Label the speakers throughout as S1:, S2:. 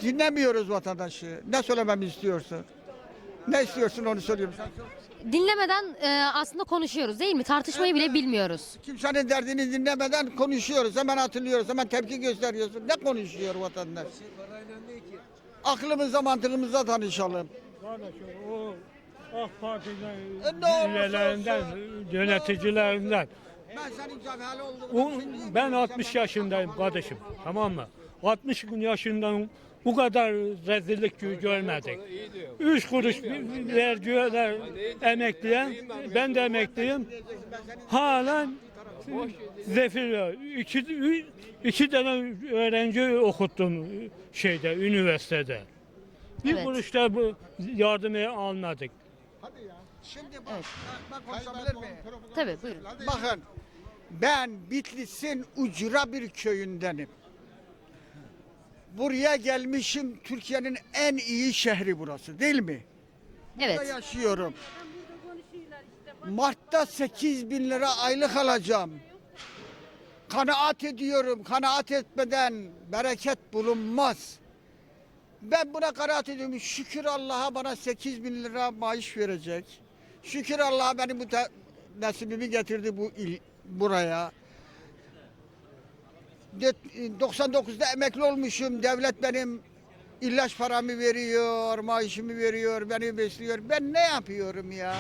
S1: dinlemiyoruz vatandaşı. Ne söylememi istiyorsun? Ne istiyorsun onu söylüyorum. Sen sor.
S2: Dinlemeden aslında konuşuyoruz değil mi? Tartışmayı bile bilmiyoruz.
S1: Kimsenin derdini dinlemeden konuşuyoruz. Hemen hatırlıyoruz. Hemen tepki gösteriyorsun. Ne konuşuyor vatandaş? Aklımızla mantığımızla tanışalım.
S3: Kardeşim o AK Parti'den
S1: Ne olursa
S3: üyelerinden, yöneticilerinden.
S1: Ben senin cevhali olduğunu
S3: Ben 60 yaşındayım kardeşim, tamam mı? 60 yaşından bu kadar rezillik görmedik. 3 kuruş vergiler emekliye, ben de emekliyim. Halen zefir iki tane öğrenci okuttum üniversitede. Bir
S2: Evet.
S3: kuruş da bu yardımı almadık.
S1: Şimdi bak konuşabilir miyim?
S2: Tabii buyurun.
S1: Bakın ben Bitlis'in ucra bir köyündenim. Buraya gelmişim, Türkiye'nin en iyi şehri burası değil mi? Burada
S2: Evet.
S1: yaşıyorum. Mart'ta 8.000 lira aylık alacağım. Kanaat ediyorum. Kanaat etmeden bereket bulunmaz. Ben buna kanaat ediyorum. Şükür Allah'a bana 8.000 lira maaş verecek. Şükür Allah'a beni nasibimi getirdi buraya. 99'da emekli olmuşum. Devlet benim ilaç paramı veriyor, maaşımı veriyor, beni besliyor. Ben ne yapıyorum ya?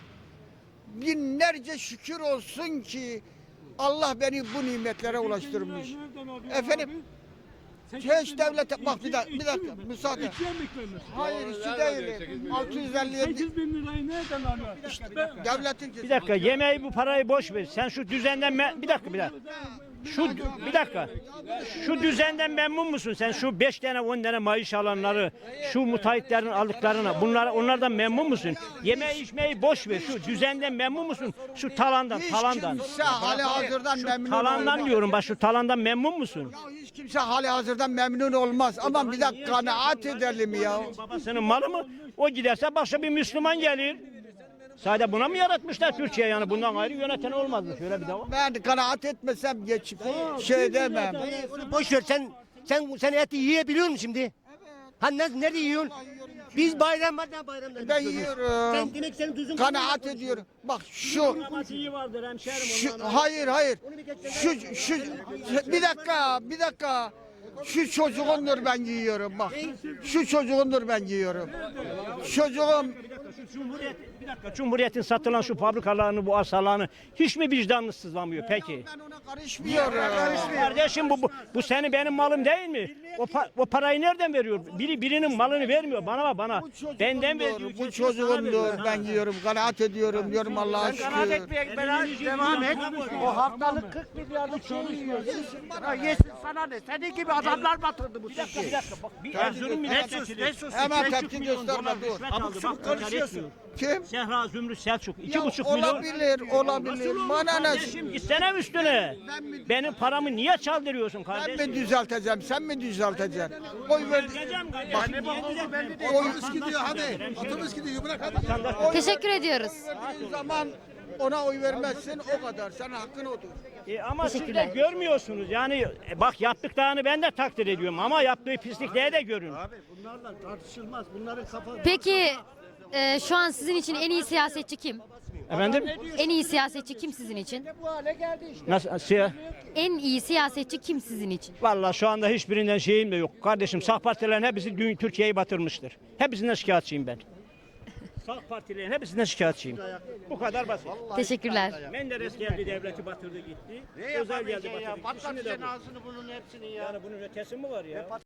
S1: Binlerce şükür olsun ki Allah beni bu nimetlere ulaştırmış. Efendim? Hiç devlete bak bir dakika müsaade. Hayır işçi değilim. 657
S3: 8.000 lirayı nereden alıyor?
S1: devletin
S4: Bir dakika yemeği bu parayı boş ver. Sen şu düzenden bir dakika. Bir dakika. Şu düzenden memnun musun? Sen şu 5 tane 10 tane maaş alanları, şu müteahhitlerin aldıklarına onlardan memnun musun? Yemeği içmeyi boş ver. Şu düzenden memnun musun? Şu talandan.
S1: Hiç kimse hali hazırdan memnun
S4: Talandan
S1: olmaz.
S4: diyorum bak şu talandan memnun musun?
S1: Ya hiç kimse hali hazırdan memnun olmaz. Ama bir dakika kanaat edelim ya.
S4: Babasının malı mı? O giderse başka bir Müslüman gelir. Sadece buna mı yaratmışlar Türkiye yani? Bundan ayrı yöneten olmaz mı? Şöyle bir de var.
S1: Ben kanaat etmesem geçip şey demem.
S5: Onu boş ver sen eti yiyebiliyor musun şimdi? Ha nerede yiyorsun? Biz bayramda
S1: Ben yiyorum.
S5: Sen demek senin tuzun
S1: Kanaat ediyorum. Bak şu
S4: İyi vardır hemşerim
S1: hayır. Şu bir dakika. Şu çocuğundur ben yiyorum bak. Şu çocuğundur ben yiyorum. Çocuğum
S4: Bir dakika Cumhuriyet'in satılan şu fabrikalarını bu arsalarını hiç mi vicdanınız sızlamıyor peki?
S1: ben ona karışmıyorum.
S4: Kardeşim bu senin benim malım değil mi? O parayı nereden veriyor? Birinin malını vermiyor bana. Benden veriyor.
S1: Bu çocuğumdur ben yiyorum. Kanaat ediyorum diyorum Allah'a şükür.
S5: devam et. O haftalık 40 milyarlık şeyi yiyor. Yesin sana ne? Senin gibi adamlar batırdı bu
S4: Bir
S5: Türkiye'yi.
S4: dakika bak. Bir Erzurum milletvekili.
S1: Hemen tepki gösterme dur.
S4: Abuk subuk konuşuyorsun.
S1: Kim?
S4: Sehra Zümrüt Selçuk.
S1: Ya
S4: 2,5 milyon.
S1: olabilir. Bana ne?
S4: Kardeşim gitsene üstüne. Benim paramı niye çaldırıyorsun
S1: Ben
S4: kardeşim?
S1: mi düzelteceğim? Sen mi düzelteceksin? Oy ver.
S4: Gideceğim kardeşim.
S1: Otobüs gidiyor hadi. Otobüs gidiyor bırak hadi.
S2: Teşekkür ediyoruz.
S1: Verdiğin zaman ona oy vermezsin o kadar. Sen hakkın odur.
S4: Ama siz de görmüyorsunuz. Yani bak yaptıklarını ben de takdir ediyorum ama yaptığı pislikleri de görün.
S5: Bunlarla tartışılmaz. Bunların kafa...
S2: Peki şu an sizin için en iyi siyasetçi kim?
S4: Efendim?
S2: En iyi siyasetçi kim sizin için?
S5: Bu hale geldi işte.
S4: Nasıl?
S2: En iyi siyasetçi kim sizin için?
S4: Vallahi şu anda hiçbirinden şeyim de yok. Kardeşim sağ partilerin hepsi Türkiye'yi batırmıştır. Hepsinden şikayetçiyim ben. Sağ partilerin hepsinden şikayetçiyim. Bu kadar basit.
S2: Teşekkürler.
S4: Menderes geldi devleti batırdı gitti. Özel geldi batırdı gitti. Şimdi de bu.
S5: Ağzını bunun hepsini ya.
S4: Yani bunun ötesi mi var ya?